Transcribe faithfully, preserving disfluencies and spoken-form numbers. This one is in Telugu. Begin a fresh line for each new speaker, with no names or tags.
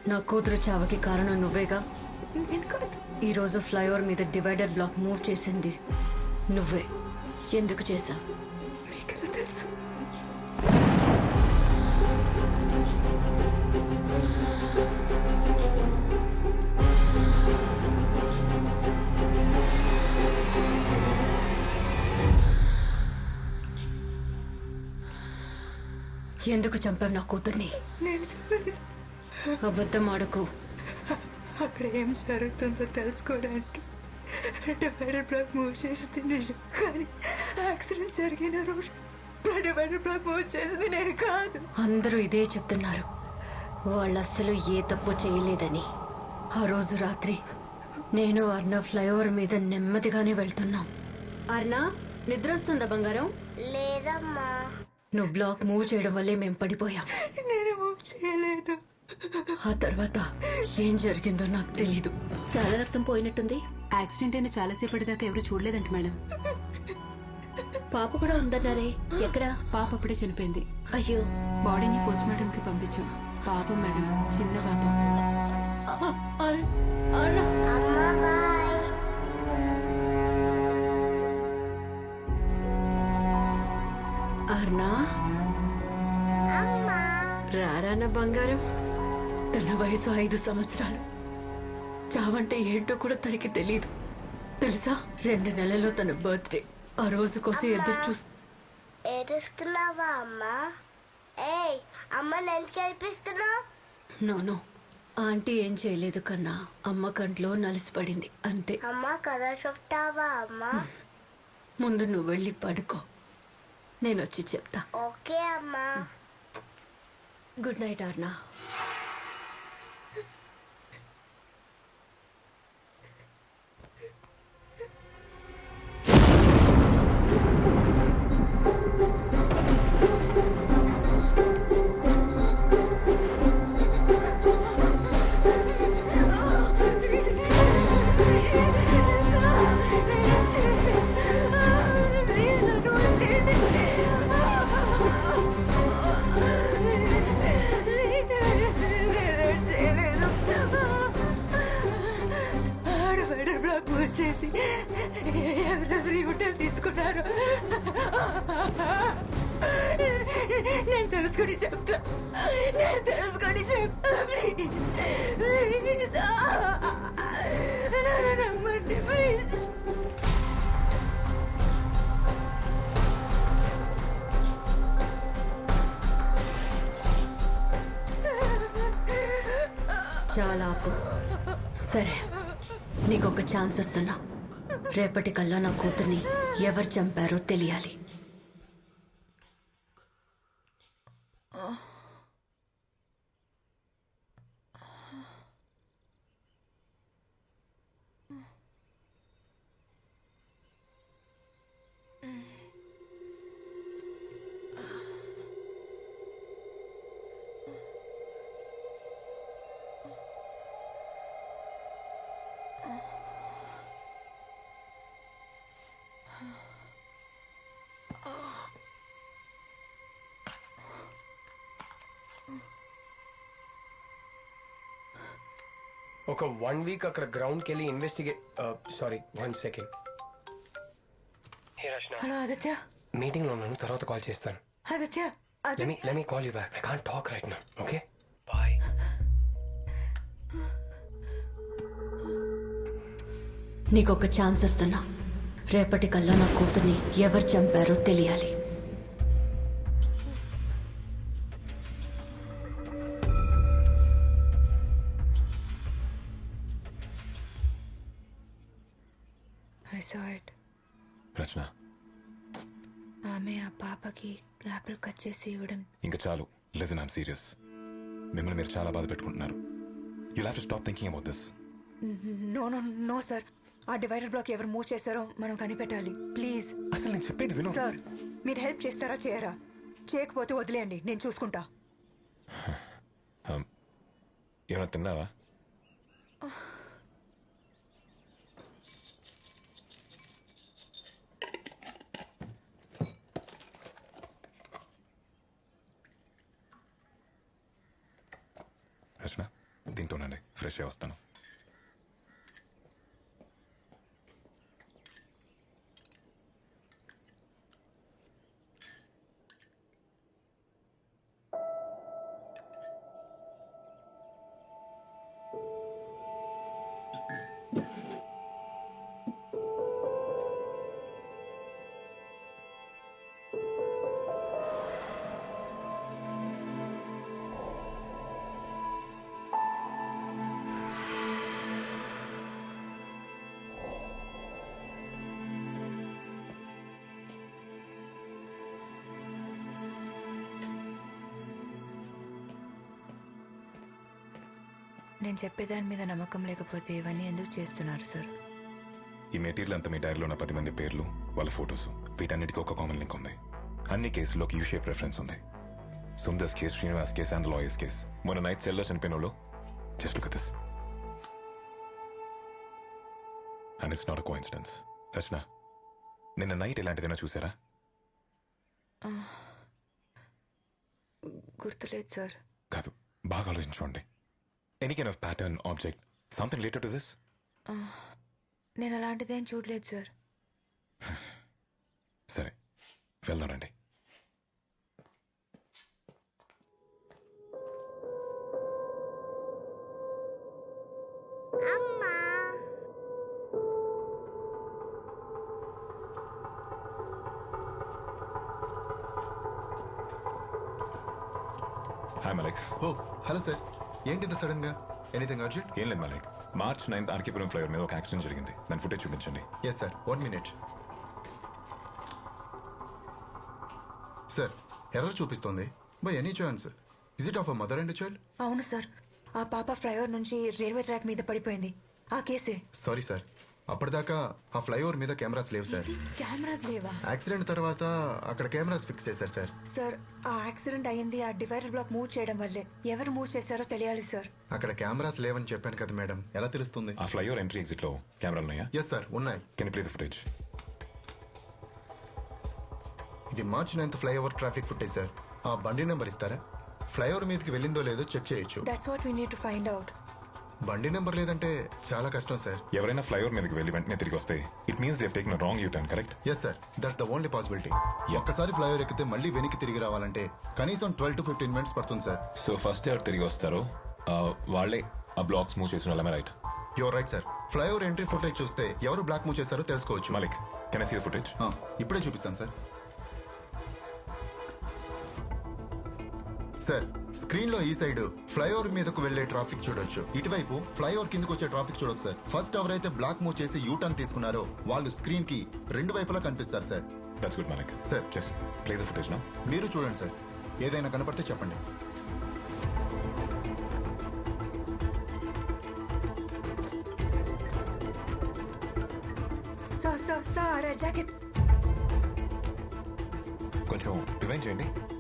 నా కూతురు చావకి కారణం నువ్వేగా.
నేను కాదు.
ఈరోజు ఫ్లైఓవర్ మీద డివైడర్ బ్లాక్ మూవ్ చేసింది నువ్వే. ఎందుకు చేశా?
మీకెలా తెలుసు?
ఎందుకు చంపావు నా కూతుర్ని?
నేను చెప్పలేదు.
అబద్ధం ఆడకు.
అక్కడ ఏం జరుగుతుందో తెలుసుకోవడానికి డివైడర్ బ్లాక్ మూవ్ చేసింది నిజం, కానీ యాక్సిడెంట్ జరిగిన రోజు డివైడర్ బ్లాక్ మూవ్ చేసింది నేను కాదు.
అందరూ ఇదే చెప్తున్నారు, వాళ్ళు అస్సలు ఏ తప్పు చేయలేదని. ఆ రోజు రాత్రి నేను అర్ణ ఫ్లైఓవర్ మీద నెమ్మదిగానే వెళ్తున్నాం. అర్ణ నిద్ర వస్తుందా బంగారం?
లేదమ్మా.
నువ్వు బ్లాక్ మూవ్ చేయడం వల్లే మేము పడిపోయాం.
నేను మూవ్ చేయలేదు.
ఆ తర్వాత ఏం జరిగిందో నాకు తెలీదు.
చాలా రక్తం పోయినట్టుంది. యాక్సిడెంట్ అయిన చాలాసేపటి దాకా ఎవరు చూడలేదంట మేడం.
పాప కూడా ఉందన్నారే, ఎక్కడ?
పాప అప్పుడే చనిపోయింది.
అయ్యో.
బాడీని పోస్ట్ మార్టం కి పంపించాం. పాపం మేడం, చిన్న పాపం.
అమ్మా బాయ్.
అర్ణ
అమ్మా.
రారా నా బంగారం. తన వయసు ఐదు సంవత్సరాలు. చావంటే ఏంటో కూడా తనకి తెలీదు తెలుసా. రెండు నెలల్లో తన బర్త్డే. ఆ రోజు కోసం ఎదురు చూస్తూ.
ఏడుస్తున్నావా అమ్మా? ఏయ్ అమ్మ, నేను కనిపిస్తున్నావు?
నో నో, ఆంటీ ఏం చేయలేదు కన్నా. అమ్మ కంట్లో నలిసిపడింది అంతే.
అమ్మ కథ చెప్తావా అమ్మా?
ముందు నువ్వు వెళ్ళి పడుకో, నేను వచ్చి చెప్తా.
ఓకే అమ్మా.
గుడ్ నైట్ అర్నా.
డివైడర్ బ్లాక్ మూవ్ చేసి ఎవరెవరు యూటర్న్ తీసుకున్నారు నేను తెలుసుకొని చెప్తా. నేను తెలుసుకొని చెప్తా. ప్లీజ్ ప్లీజ్ నన్ను నమ్మండి ప్లీజ్.
చాలా ఆపు. సరే, నీకొక ఛాన్స్ ఇస్తున్నా. రేపటికల్లా నా కూతుర్ని ఎవరు చంపారో తెలియాలి.
ఒక వన్ వీక్ అక్కడ గ్రౌండ్కి వెళ్ళి investigate. Sorry, one second.
Hello Aditya.
Meeting లో ఉన్నాను, తర్వాత కాల్ చేస్తాను.
Aditya
Let me let me call you back. I can't talk right now. Okay? Bye.
నీకొక ఛాన్స్ ఇస్తున్నా. రేపటికల్లా నా కూతుర్ని ఎవరు చంపారో తెలియాలి.
I saw it.
రచన,
ఆమె ఆ పాపకి యాపిల్ కట్ చేసి ఇవ్వడం.
ఇంకా చాలు. Listen, I'm serious. మిమ్మల్ని మీరు చాలా బాధ పెట్టుకుంటున్నారు. You have to stop thinking about this.
No no no sir, ఆ డివైడర్ బ్లాక్ ఎవరు మూవ్ చేశారో మనం కనిపెట్టాలి. ప్లీజ్
అసలు నేను చెప్పేది విను.
సార్, మీరు హెల్ప్ చేస్తారా చేయరా? చేయకపోతే వదిలేయండి, నేను చూసుకుంటా.
ఏమైనా తిన్నావా? రచన, తింటూనండి, ఫ్రెష్ అయ్యి వస్తాను.
నేను చెప్పేదాని మీద నమ్మకం లేకపోతే ఇవన్నీ ఎందుకు చేస్తున్నారు సార్?
ఈ మెటీరియల్ అంతా మీ డైరీలో ఉన్న పది మంది పేర్లు, వాళ్ళ ఫొటోస్, వీటన్నిటికీ ఒక కామన్ లింక్ ఉంది. అన్ని కేసుల్లోకి యూ షేప్ రెఫరెన్స్ ఉంది. Sundar's case, Srinivas case and lawyers case. మొన్న నైట్ సెల్లో చనిపోయిన వాళ్ళు just look at this. And it's not a coincidence. Rachana, నిన్న నైట్ ఇలాంటిదైనా చూసారా?
గుర్తులేదు సార్.
కాదు, బాగా ఆలోచించుకోండి. Any kind of pattern, object, something related to this?
నేను అలాంటిదేం చూడలేదు సార్.
సరే, వెళ్దానండి.
అమ్మా
hi Malaik.
Oh hello sir, ఏంటిది సడన్ గా? Anything urgent?
ఏం లేదు Malaik, March ninth RK Puram flyover మీద ఒక యాక్సిడెంట్ జరిగింది. దాని ఫుటేజ్ చూపించండి.
Yes sir, one minute. Sir, error చూపిస్తోంది. By any chance is it of a mother and child?
అవును సార్, ఆ పాప ఫ్లైఓవర్ నుంచి రైల్వే ట్రాక్ మీద పడిపోయింది. ఆ కేసే.
సారీ సార్, అప్పటిదాకా ఆ ఫ్లైఓవర్ మీద కెమెరాస్ లేవు సార్.
కెమెరాస్ లేవా?
యాక్సిడెంట్ తర్వాత అక్కడ కెమెరాస్ ఫిక్స్ చేశారు సార్.
సార్, ఆ యాక్సిడెంట్ అయ్యింది ఆ డివైడర్ బ్లాక్ మూవ్ చేయడం వల్లే. ఎవరు మూవ్ చేశారో తెలియాలి సార్.
అక్కడ కెమెరాస్ లేవని చెప్పాను కదా మేడం, ఎలా తెలుస్తుంది?
ఆ ఫ్లైఓవర్ ఎంట్రీ ఎగ్జిట్ లో కెమెరాలు ఉన్నాయా?
ఎస్ సార్, ఉన్నాయి.
Can play the footage?
ఇది March ninth flyover traffic footage sir. ఆ బండి నెంబర్ ఇస్తారా? ఫ్లైఓవర్ మీదకి వెళ్ళిందో లేదో చెక్ చేయొచ్చు.
That's what we need to find out.
బండి నెంబర్ లేదంటే చాలా కష్టం సార్.
ఎవరైనా ఫ్లైఓవర్ మీదకి వెళ్ళి వెంటనే తిరిగి వస్తే it means they take wrong U turn, correct?
Yes sir, that's the only possibility. ఒక్కసారి ఫ్లైఓవర్ ఎక్కితే మళ్ళీ వెనక్కి తిరిగి రావాలంటే కనీసం ట్వెల్వ్ టు ఫిఫ్టీన్ మినిట్స్ పడుతుంది సార్.
సో ఫస్ట్ ఎవరు తిరిగి వస్తారో ఆ, వాళ్ళే ఆ బ్లాక్స్ మూవ్ చేసిన వాళ్ళమే, right?
Your right sir. Flyover entry footage చూస్తే ఎవరు బ్లాక్ మూవ్ చేశారో తెలుసుకోవచ్చు.
Malik, can I see the footage?
ఆ, ఇప్పుడే చూపిస్తాను సార్. సార్, స్క్రీన్ లో ఈ సైడ్ ఫ్లైఓవర్ మీదకు వెళ్లే ట్రాఫిక్ చూడొచ్చు. ఇటువైపు ఫ్లైఓవర్ కిందకు వచ్చే ట్రాఫిక్ చూడొచ్చు సార్. ఫస్ట్ ఎవరైతే బ్లాక్ మూవ్ చేసి యూ టర్న్ తీసుకున్నారో వాళ్ళు స్క్రీన్ కి రెండు వైపులా కనిపిస్తారు sir.
That's good Malik.
Sir.
Just play the footage now.
మీరు చూడండి సార్, ఏదైనా కనపడితే చెప్పండి.
Sir sir sir jacket.
కొంచెం రివైండ్ చేయండి.